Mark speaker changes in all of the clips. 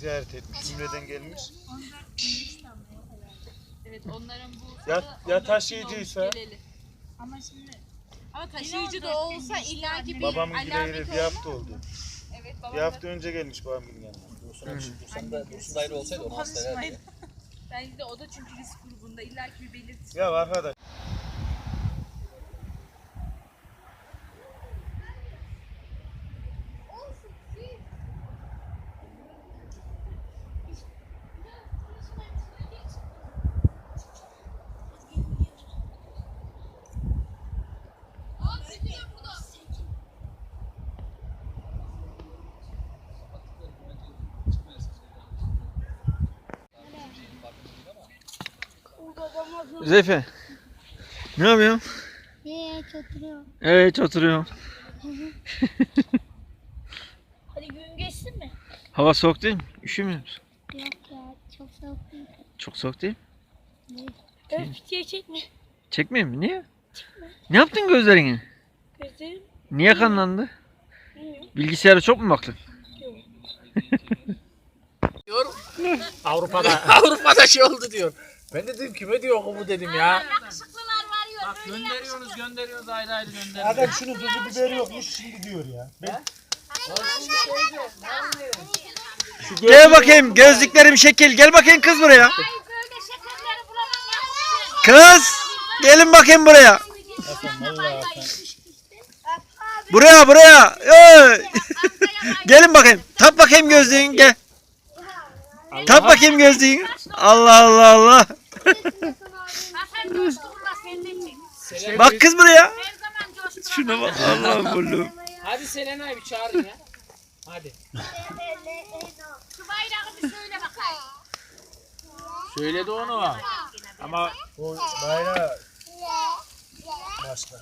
Speaker 1: ziyaret etmiş. Ümre'den gelmiş.
Speaker 2: Evet onların bu
Speaker 1: Ya taşıyıcıysa
Speaker 2: ama şimdi taşıyıcı da olsa illaki bir
Speaker 1: babamın
Speaker 2: alamet
Speaker 1: gideri bir
Speaker 2: olmaz
Speaker 1: hafta oldu.
Speaker 2: mı? Evet
Speaker 1: Bir hafta önce gelmiş babamın yanına.
Speaker 3: Dursun ayrı olsaydı onu hasta ederdi.
Speaker 2: Bence de o da çünkü risk grubunda illaki bir belirti.
Speaker 1: Ya arkadaş.
Speaker 4: Zeyfe. Ne yapıyorsun?
Speaker 5: Hiç oturuyorum.
Speaker 4: Evet oturuyorum.
Speaker 5: Hadi gün geçsin mi?
Speaker 4: Hava soğuk değil mi? Üşümüyor musun?
Speaker 5: Yok ya çok soğuk değil.
Speaker 4: Çok soğuk değil mi?
Speaker 5: Öf diye çekme.
Speaker 4: Çekmeyeyim mi? Niye? Ne yaptın gözlerini?
Speaker 5: Gözlerim
Speaker 4: Niye kanlandı?
Speaker 5: bilmiyorum.
Speaker 4: Bilgisayara çok mu baktın?
Speaker 3: Avrupa'da şey oldu diyor. Ben de dedim kime diyor bu dedim ya.
Speaker 2: Bak
Speaker 3: Gönderiyorsunuz ayrı ayrı gönderiyorsunuz.
Speaker 1: Adam şunun tuzu biberi yokmuş şimdi diyor ya.
Speaker 4: Gel bakayım gözlüklerim şekil. Gel bakayım kız buraya. Kız gelin bakayım buraya. Buraya. Oy. Gelin bakayım. Tak bakayım gözlüğün gel. Tak bakayım gözlüğün. Allah. Bak kız buraya. Şuna bak. Allah'ım.
Speaker 3: Hadi Selena'yı bir çağırın ya. Hadi.
Speaker 2: Şu bayrağı bir söyle bakayım.
Speaker 3: Söyledi onu. Ama
Speaker 1: O bayrağı başka.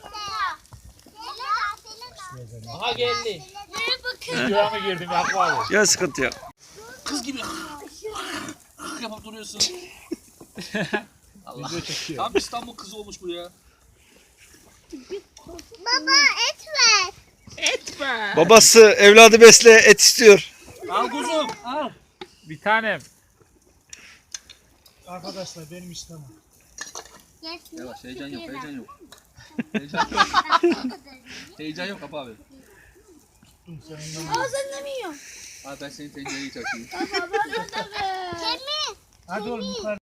Speaker 3: aha geldi. Rüya mı girdim Yakup abi?
Speaker 4: Ya sıkıntı yok.
Speaker 3: Kız gibi yapıp duruyorsun. Allah. Tam İstanbul kızı olmuş bu ya.
Speaker 5: Baba et ver.
Speaker 4: Babası evladı besle et istiyor.
Speaker 3: Al kuzum al. Bir tanem.
Speaker 1: Arkadaşlar benim istemem.
Speaker 3: Yavaş heyecan yok. Heyecan yok Kapı abi.
Speaker 5: Ağzını mı yiyorsun?
Speaker 3: Abi ben senin tencereyi çakayım.
Speaker 5: Baba da ver.
Speaker 1: Hadi oğlum yukarı.